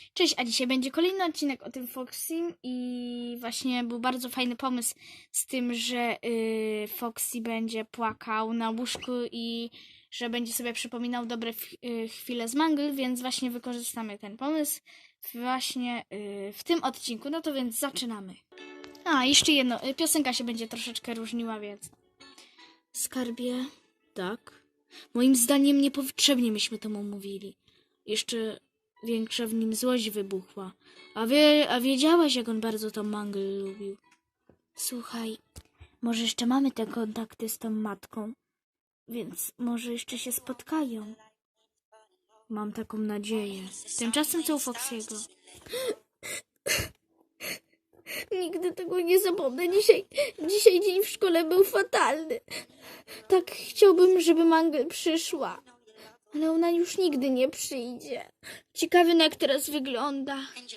Cześć, a dzisiaj będzie kolejny odcinek o tym Foxym i właśnie był bardzo fajny pomysł z tym, że Foxy będzie płakał na łóżku i że będzie sobie przypominał dobre chwile z Mangle, więc właśnie wykorzystamy ten pomysł właśnie w tym odcinku. No to więc zaczynamy. A, jeszcze jedno, piosenka się będzie troszeczkę różniła, więc... Skarbie, tak. Moim zdaniem niepotrzebnie myśmy to mu mówili. Jeszcze większa w nim złość wybuchła. A wiedziałaś, jak on bardzo tą Mangle lubił. Słuchaj, może jeszcze mamy te kontakty z tą matką, więc może jeszcze się spotkają. Mam taką nadzieję. Tymczasem co u Foxy'ego? Nigdy tego nie zapomnę. Dzisiaj dzień w szkole był fatalny. Tak chciałbym, żeby Mangle przyszła. Ale ona już nigdy nie przyjdzie. Ciekawy, jak teraz wygląda.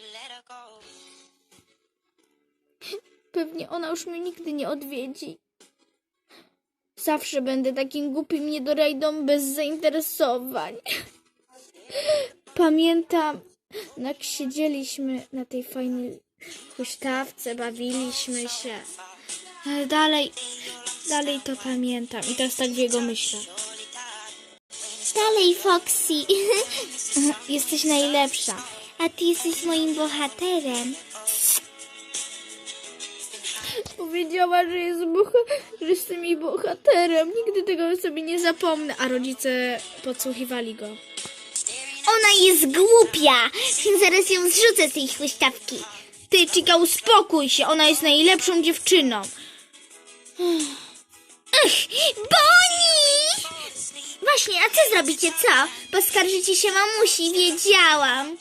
Pewnie ona już mnie nigdy nie odwiedzi. Zawsze będę takim głupim niedorajdą bez zainteresowań. Pamiętam, jak siedzieliśmy na tej fajnej huśtawce, bawiliśmy się. Ale dalej to pamiętam i teraz tak w jego myślach. Dalej, Foxy. Jesteś najlepsza. A ty jesteś moim bohaterem. Powiedziała, że jestem jej bohaterem. Nigdy tego sobie nie zapomnę. A rodzice podsłuchiwali go. Ona jest głupia. Zaraz ją zrzucę z tej huśtawki. Ty, Chica, uspokój się. Ona jest najlepszą dziewczyną. Bonnie! Właśnie, a co zrobicie, co? Poskarżycie się mamusi, wiedziałam.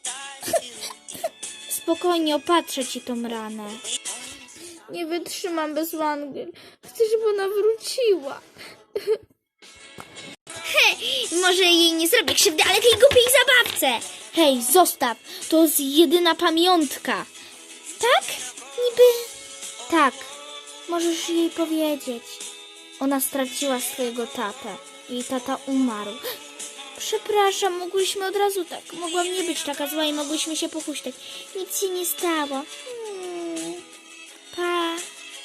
Spokojnie, opatrzę ci tą ranę. Nie wytrzymam bez Mangle. Chcę, żeby ona wróciła. Może jej nie zrobię krzywdy, ale tej głupiej zabawce. Hej, zostaw. To jest jedyna pamiątka. Tak? Niby... Tak, możesz jej powiedzieć. Ona straciła swojego tatę. Jej tata umarł. Przepraszam, mogłyśmy od razu tak. Mogłam nie być taka zła i mogłyśmy się pochuśtać. Nic się nie stało. Pa.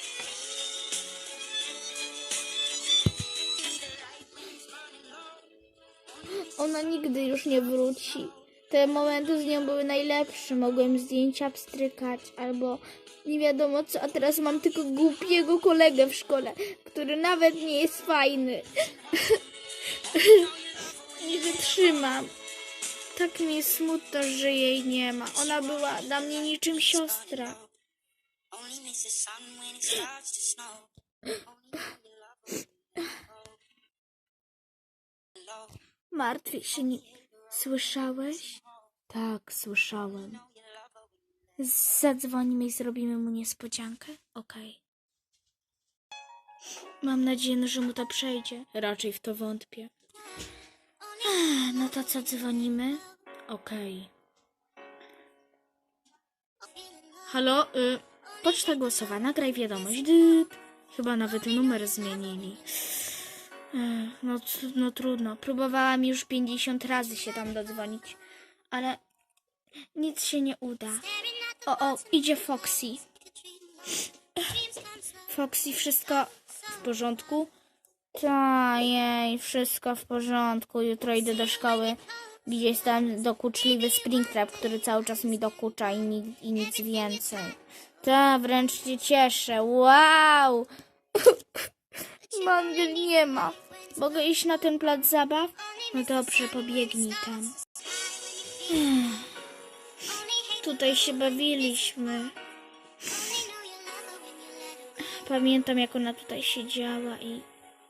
Ona nigdy już nie wróci. Te momenty z nią były najlepsze. Mogłem zdjęcia pstrykać albo nie wiadomo co. A teraz mam tylko głupiego kolegę w szkole, który nawet nie jest fajny. Nie wytrzymam. Tak mi jest smutno, że jej nie ma. Ona była dla mnie niczym siostra. Martwię się. Słyszałeś? Tak, słyszałem. Zadzwonimy i zrobimy mu niespodziankę? Okej. Mam nadzieję, że mu to przejdzie. Raczej w to wątpię. No to co, dzwonimy? Okej. Halo? Poczta głosowa, nagraj wiadomość. Dyt. Chyba nawet numer zmienili. No trudno. Próbowałam już 50 razy się tam dodzwonić, ale nic się nie uda. O, idzie Foxy. Foxy, wszystko w porządku? Ta, jej, wszystko w porządku. Jutro idę do szkoły. Gdzieś tam dokuczliwy Springtrap, który cały czas mi dokucza i nic więcej. Ta, wręcz się cieszę. Wow! Mangle nie ma. Mogę iść na ten plac zabaw? No dobrze, pobiegnij tam. Tutaj się bawiliśmy. Pamiętam, jak ona tutaj siedziała i...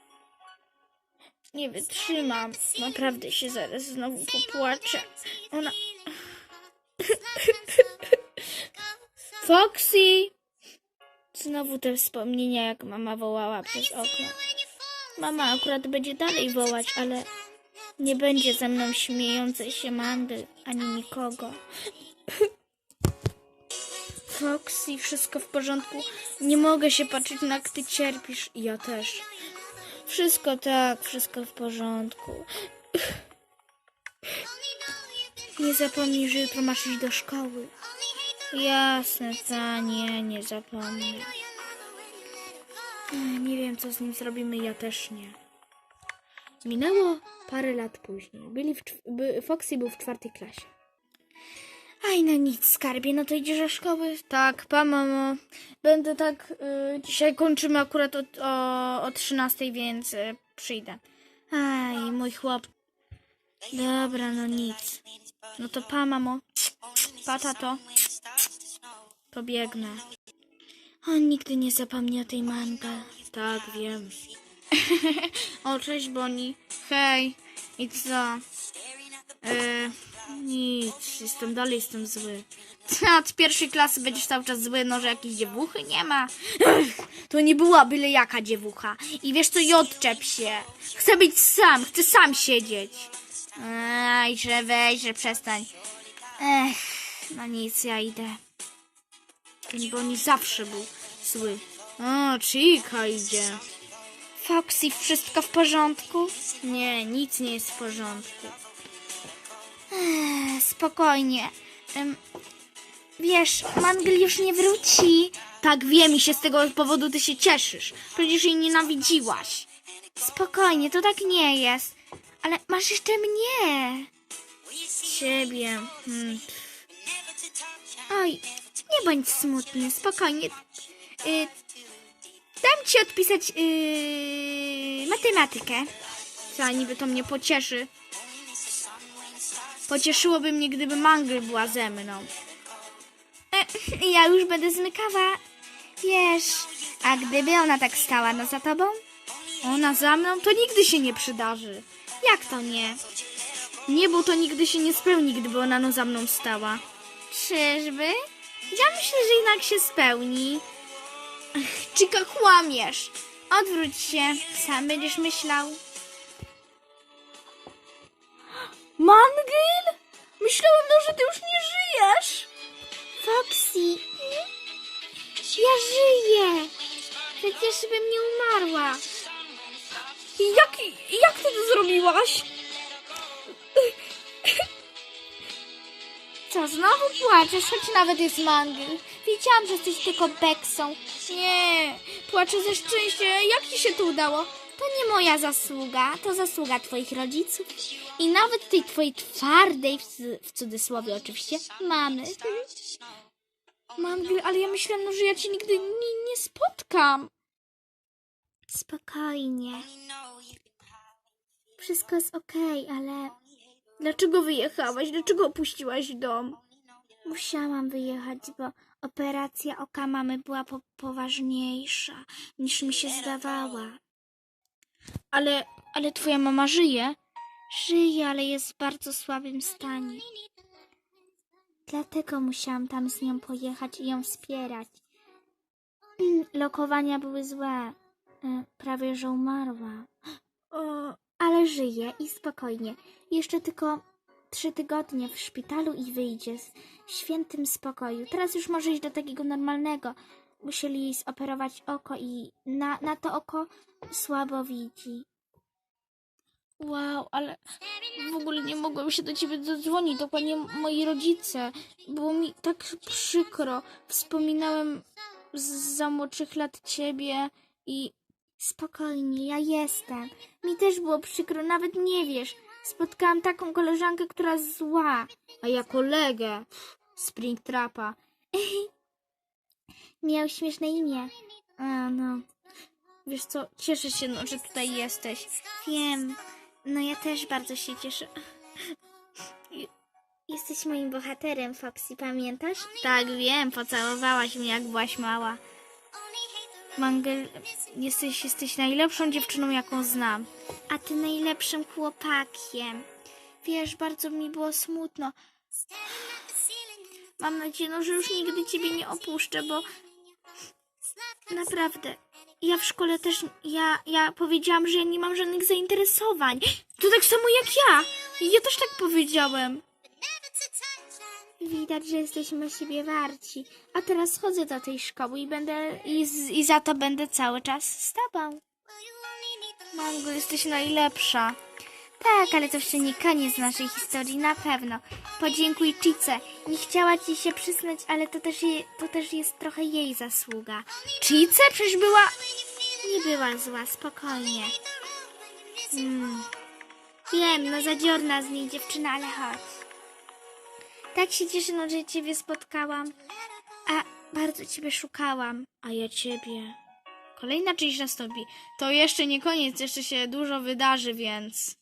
Nie wytrzymam. Naprawdę się zaraz znowu popłaczę. Ona... Foxy! Znowu te wspomnienia, jak mama wołała przez okno. Mama akurat będzie dalej wołać, ale nie będzie ze mną śmiejącej się Mangle, ani nikogo. Foxy, wszystko w porządku. Nie mogę się patrzeć, na jak ty cierpisz. I ja też. Wszystko tak, wszystko w porządku. Nie zapomnij, że jutro masz iść do szkoły. Jasne, nie zapomnę. Nie wiem, co z nim zrobimy, ja też nie. Minęło parę lat później. Foxy był w 4. klasie. Aj, no nic, skarbie, no to idziesz do szkoły? Tak, pa, mamo. Będę tak, dzisiaj kończymy akurat o 13, więc przyjdę. Aj, mój chłop. Dobra, no nic. No to pa, mamo. Pa, tato. Pobiegnę. On nigdy nie zapomni o tej mangle. Tak, wiem. O, cześć, Bonnie. Hej. I co? Nic. Jestem zły. A od 1. klasy będziesz cały czas zły, no, że jakiejś dziewuchy nie ma. To nie była byle jaka dziewucha. I wiesz co, i odczep się. Chcę być sam, chcę sam siedzieć. Aj, że weź, że przestań. No nic, ja idę. Ten Bonnie zawsze był zły. O, Chica idzie. Foxy, wszystko w porządku? Nie, nic nie jest w porządku. Spokojnie. Wiesz, Mangle już nie wróci. Tak, wiem i się z tego powodu ty się cieszysz. Przecież jej nienawidziłaś. Spokojnie, to tak nie jest. Ale masz jeszcze mnie. Ciebie. Oj, nie bądź smutny, spokojnie. Dam ci odpisać matematykę. Co, niby to mnie pocieszy. Pocieszyłoby mnie, gdyby Mangle była ze mną. Ja już będę zmykała. Wiesz, a gdyby ona tak stała za tobą? Ona za mną? To nigdy się nie przydarzy. Jak to nie? Nie, bo to nigdy się nie spełni, gdyby ona za mną stała. Czyżby? Ja myślę, że jednak się spełni. Chica, kłamiesz. Odwróć się, sam będziesz myślał. Mangle? Myślałem, że ty już nie żyjesz. Foxy, ja żyję. Przecież bym nie umarła. Jak ty to zrobiłaś? Co, znowu płaczesz, choć nawet jest Mangle. Wiedziałam, że jesteś tylko beksą. Nie, płaczę ze szczęścia. Jak ci się to udało? To nie moja zasługa, to zasługa twoich rodziców. I nawet tej twojej twardej, w cudzysłowie oczywiście, mamy. Mangle, ale ja myślałam, że ja cię nigdy nie spotkam. Spokojnie. Wszystko jest okej, ale... Dlaczego wyjechałaś? Dlaczego opuściłaś dom? Musiałam wyjechać, bo operacja oka mamy była poważniejsza, niż mi się zdawała. Ale twoja mama żyje? Żyje, ale jest w bardzo słabym stanie. Dlatego musiałam tam z nią pojechać i ją wspierać. Lokowania były złe. Prawie, że umarła. Ale żyje i spokojnie. Jeszcze tylko 3 tygodnie w szpitalu i wyjdzie w świętym spokoju. Teraz już może iść do takiego normalnego. Musieli jej zoperować oko i na to oko słabo widzi. Wow, ale w ogóle nie mogłem się do ciebie dodzwonić, dokładnie moi rodzice. Było mi tak przykro. Wspominałem za młodszych lat ciebie i spokojnie, ja jestem. Mi też było przykro, nawet nie wiesz. Spotkałam taką koleżankę, która jest zła. A ja kolegę. Springtrapa. Miał śmieszne imię. A, no. Wiesz co, cieszę się, że tutaj jesteś. Wiem. No ja też bardzo się cieszę. Jesteś moim bohaterem, Foxy, pamiętasz? Tak, wiem, pocałowałaś mnie, jak byłaś mała. Mangle, jesteś najlepszą dziewczyną, jaką znam. A ty najlepszym chłopakiem. Wiesz, bardzo mi było smutno. Mam nadzieję, że już nigdy ciebie nie opuszczę, bo naprawdę, ja w szkole też, ja powiedziałam, że ja nie mam żadnych zainteresowań. To tak samo jak ja. Ja też tak powiedziałem. Widać, że jesteśmy siebie warci. A teraz chodzę do tej szkoły i za to będę cały czas z tobą. Mango, jesteś najlepsza. Tak, ale to jeszcze nie koniec naszej historii, na pewno. Podziękuj Chice. Nie chciała ci się przyznać, ale to też jest trochę jej zasługa. Chice przecież była... Nie była zła, spokojnie. Wiem, no zadziorna z niej dziewczyna, ale chodź. Tak się cieszę, no, że ciebie spotkałam. A bardzo ciebie szukałam. A ja ciebie. Kolejna czyjś nastąpi. To jeszcze nie koniec, jeszcze się dużo wydarzy, więc...